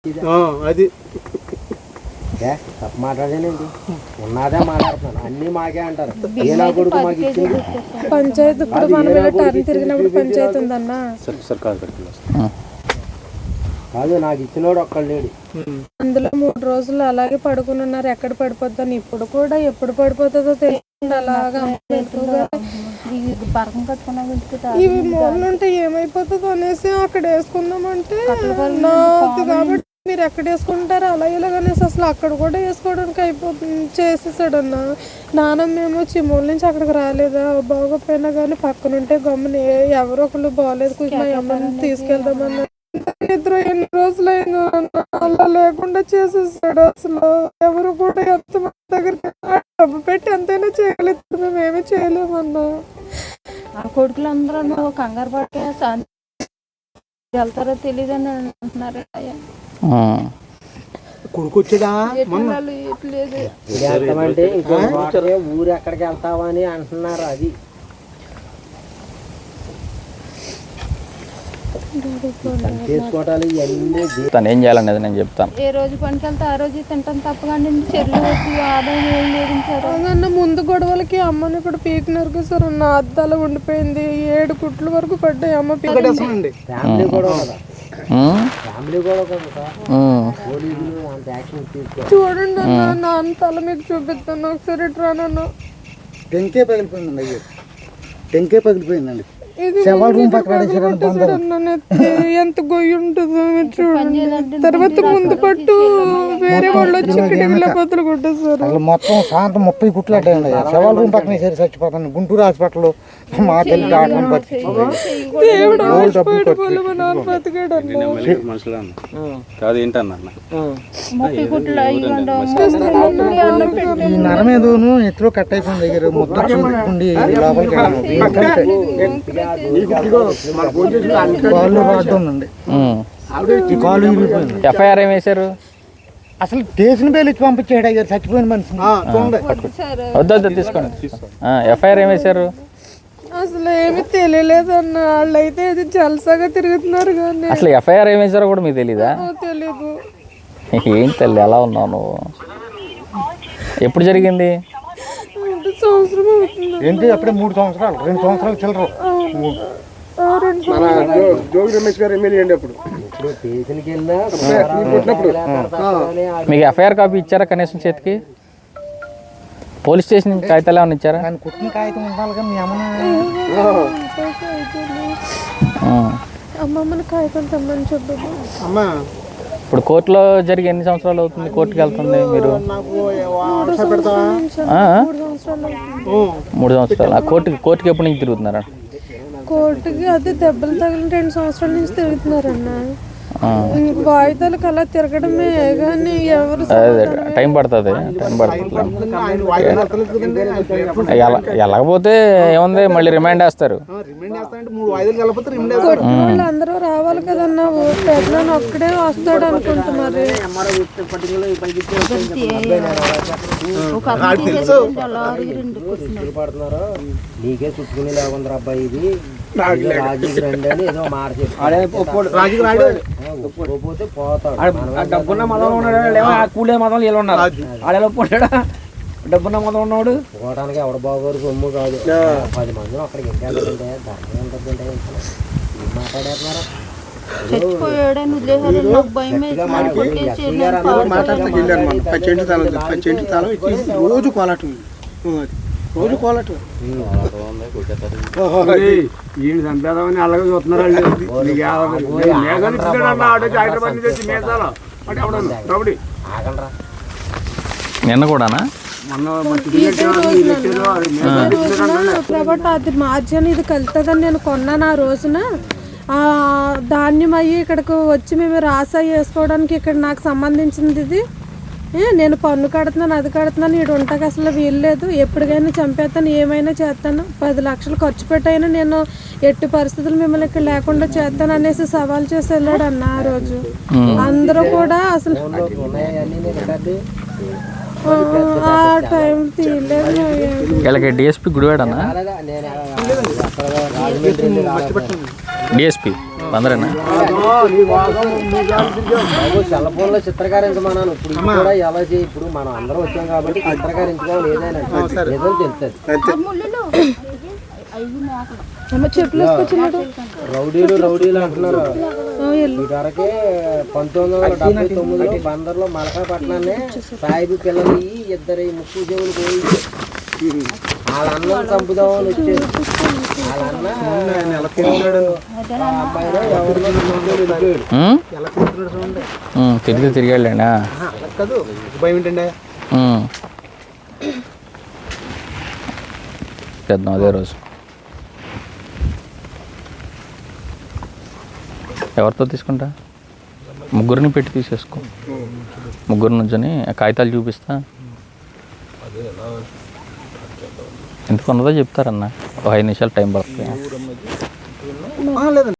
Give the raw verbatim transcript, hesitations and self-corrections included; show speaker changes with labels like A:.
A: అది
B: తప్ప మాట్లాడానండి ఉన్నదే మాట్లాడుతున్నాను అన్ని మాకే అంటారు ఏనా కొడుకు మాకు ఇచ్చింది
C: పంచాయతీ ఇప్పుడు మనం ఇలా టర్న్ తిరిగినప్పుడు పంచాయతీ ఉందన్న
B: కాదు నాకు ఇచ్చినోడు ఒక్కడు లేడు.
C: అందులో మూడు రోజులు అలాగే పడుకుని ఉన్నారు. ఎక్కడ పడిపోతాను ఇప్పుడు కూడా ఎప్పుడు పడిపోతుందో తెలియదు. అలాగా ఇవి మూలలు ఉంటే ఏమైపోతుందో అనేసి అక్కడ వేసుకుందామంటే నాది కాబట్టి మీరు ఎక్కడ వేసుకుంటారు అలా ఇలాగనేసి అసలు అక్కడ కూడా వేసుకోవడానికి అయిపోతుంది చేసేసాడు అన్న. నాన్న మేము చిమ్మూల నుంచి అక్కడికి రాలేదా బాగోపోయినా కానీ పక్కన ఉంటే గమ్మున ఎవరో ఒకళ్ళు బాగోలేదు కొంచెం మా అమ్మని తీసుకెళ్దామన్నా ఇద్దరు ఎన్ని రోజులైనా అలా లేకుండా చేసేసాడు. అసలు ఎవరు కూడా ఎంత మంది దగ్గరికి డబ్బు పెట్టి ఎంతైనా చేయలేదు మేమేమీ చేయలేమన్నా.
D: ఆ కొడుకులు అందరూ నువ్వు కంగారు పట్టే వెళ్తారో తెలియదు అని అంటున్నారు.
A: కొడుకు వచ్చాడా
B: అంటే ఊరు ఎక్కడికి వెళ్తావా అని అంటున్నారు. అది చేసుకోవటాలు ఇవన్నీ
E: తను ఏం చేయాలనేది నేను చెప్తాను.
D: ఏ రోజు పనికి వెళ్తే ఆ రోజు తింటాను తప్పకండి చెల్లు వచ్చి ఆదాయం ఏం లేదు.
C: అన్న ముందు గొడవలకి అమ్మని ఇక్కడ పీకినారు సార్ అన్న అద్దాలు ఉండిపోయింది. ఏడు కుట్ల వరకు పడ్డాయి. అమ్మ పీకేసింది.
B: ఫ్యామిలీ కూడా కదా ఫ్యామిలీ కూడా కదా పోలీసులు అంత యాక్షన్ తీసుకో.
C: చూడండి అన్న నాన్న తల మీకు చూపిస్తాను ఒకసారి రానన్న.
A: టెంకే పగిలిపోయిందండి. అయ్యో టెంకే పగిలిపోయిందండి.
C: ఎంత గొయ్యి ఉంటుందో చూడండి. తర్వాత ముందు పట్టు వేరే వాళ్ళు వచ్చి ఇక్కడ బదులు కొట్టేసారు.
F: మొత్తం సాయంత్రం ముప్పై కుట్లు అడ్డాయండి. శవాల రూమ్ పక్కన సరి చచ్చిపోతాను. గుంటూరు హాస్పిటల్ మా తల్లి
C: దేవుడు ఆశపడి పోలే మా నాన్న బతికాడు
F: ఈ నరమేదోను ఎత్తులో కట్ అయిపోయింది. దగ్గర ముద్ర చూపుకుండి లోపలికి కాళ్ళు రాడ్డండి. ఈ కాళ్ళు ఇరిగిపోయింది.
E: ఎఫ్ఐఆర్ ఏం వేశారు?
F: అసలు స్టేషన్ పేరు ఇచ్చి పంపించాడు అయ్యారు చచ్చిపోయిన మనిషి.
E: వద్దు వద్దు తీసుకోండి. ఎఫ్ఐఆర్ ఏం వేశారు?
C: అసలు ఏమి తెలియలేదు అన్న. వాళ్ళు అయితే అది జలసాగా తిరుగుతున్నారు కానీ
E: అసలు ఎఫ్ఐఆర్ ఏం వేశారో కూడా మీకు తెలీదా?
C: తెలీదు.
E: ఏంటి తల్లి ఎలా ఉన్నావు నువ్వు? ఎప్పుడు జరిగింది?
C: సంవత్సరం అవుతుంది.
F: ఏంటి అప్పుడే మూడు సంవత్సరాలు రెండు సంవత్సరాలు చిల్లరు.
A: జోగి రమేష్ గారు ఎమ్మెల్యే అండి అప్పుడు.
E: మీకు ఎఫ్ఐఆర్ కాపీ ఇచ్చారా కనీసం చేతికి? పోలీస్ స్టేషన్ కాగితాలు ఏమైనా ఇచ్చారా?
F: కుట్టిన కాగితం ఉండాలి కదా మీ
C: అమ్మమ్మని కాగితం తెమ్మని చెప్పదు.
E: ఇప్పుడు కోర్టులో జరిగి ఎన్ని సంవత్సరాలు అవుతుంది? కోర్టుకి వెళ్తుంది మీరు? మూడు సంవత్సరాలు. ఆ కోర్టుకి కోర్టుకి ఎప్పటి నుంచి తిరుగుతున్నారా?
C: కోర్టుకి అదే దెబ్బలు తగిలిన రెండు సంవత్సరాల నుంచి తిరుగుతున్నారన్న. వాయిదాలకు అలా తిరగడమే కానీ ఎవరు
E: టైం పడుతుంది టైం పడుతుంది వెళ్ళకపోతే ఏముంది మళ్ళీ రిమైండ్ వేస్తారు.
C: వాళ్ళు అందరూ రావాలి కదన్నా. పెద్దలు ఒక్కడే వస్తాడు అనుకుంటున్నారు.
B: నీకే చుట్టుకుని లేకుండా అబ్బాయి ఇది రాజుకి రండి అని ఏదో మాట
G: డబ్బున్న మతంలో ఉన్నాడు. కూలే మతంలో వీళ్ళు ఉన్నారు. ఆడేలో పోయాడా డబ్బున్న మతం ఉన్నాడు.
B: పోవడానికి ఎవడ బాగోరు సొమ్ము కాదు. పది మంది అక్కడికి వెళ్ళాలంటే ధర్మం ఉంటుందంటే మాట్లాడేస్తున్నారా?
A: రోజు కోలాటం రోజు కోలాటం ఈయన చంపేదామని అలాగే చూస్తున్నారు.
E: నిన్న కూడానా?
C: కాబట్టి అది మార్జిన్ ఇది కలుతుందని నేను కొన్నాను ఆ రోజున. ధాన్యం అయ్యి ఇక్కడికి వచ్చి మేము రాసా వేసుకోవడానికి ఇక్కడ నాకు సంబంధించింది ఇది. నేను పన్ను కడుతున్నాను అది కడుతున్నాను ఇటు ఉంటాకి అసలు వీల్లేదు. ఎప్పటికైనా చంపేస్తాను ఏమైనా చేస్తాను. పది లక్షలు ఖర్చు పెట్టైనా నేను ఎట్టి పరిస్థితులు మిమ్మల్ని ఇక్కడ లేకుండా చేస్తాను అనేసి సవాల్ చేసి వెళ్ళాడు అన్న ఆ రోజు. అందరూ కూడా అసలు ఆ టైం తీయలేదు.
E: వీళ్ళకి డిఎస్పీ గుడివాడన్నా? డిఎస్పీ అందరేనా
B: బాబు సెల్ ఫోన్ లో చిత్రకారించమన్నాను ఇప్పుడు ఇది కూడా ఎలా చేయి ఇప్పుడు మనం అందరం వచ్చాం కాబట్టి చిత్రకారించుకోవాలి ఏదైనా ఏదో తెలుస్తుంది
C: చెట్లు వేసుకొచ్చినాడు
B: రౌడీలు రౌడీలు అంటున్నారు ఇదివరకే పంతొమ్మిది వందల డెబ్బై తొమ్మిదిలో బందర్లో మలకాపట్నాన్ని సాయిబు పిల్లలు ఇద్దరు ముక్కు చెవులు పోయి వాళ్ళ అన్నం చంపుదామని వచ్చారు వాళ్ళ అన్న అబ్బాయిలో ఎవరిలో
E: తిరిగి తిరిగి వెళ్ళండి
A: కాదు భయం ఏంటండి
E: చేద్దాం అదే రోజు ఎవరితో తీసుకుంటా ముగ్గురిని పెట్టి తీసేసుకో ముగ్గురు నుంచొని కాగితాలు చూపిస్తా ఎందుకు ఉన్నదో చెప్తారన్న ఒక ఐదు నిమిషాలు టైం పడుతుంది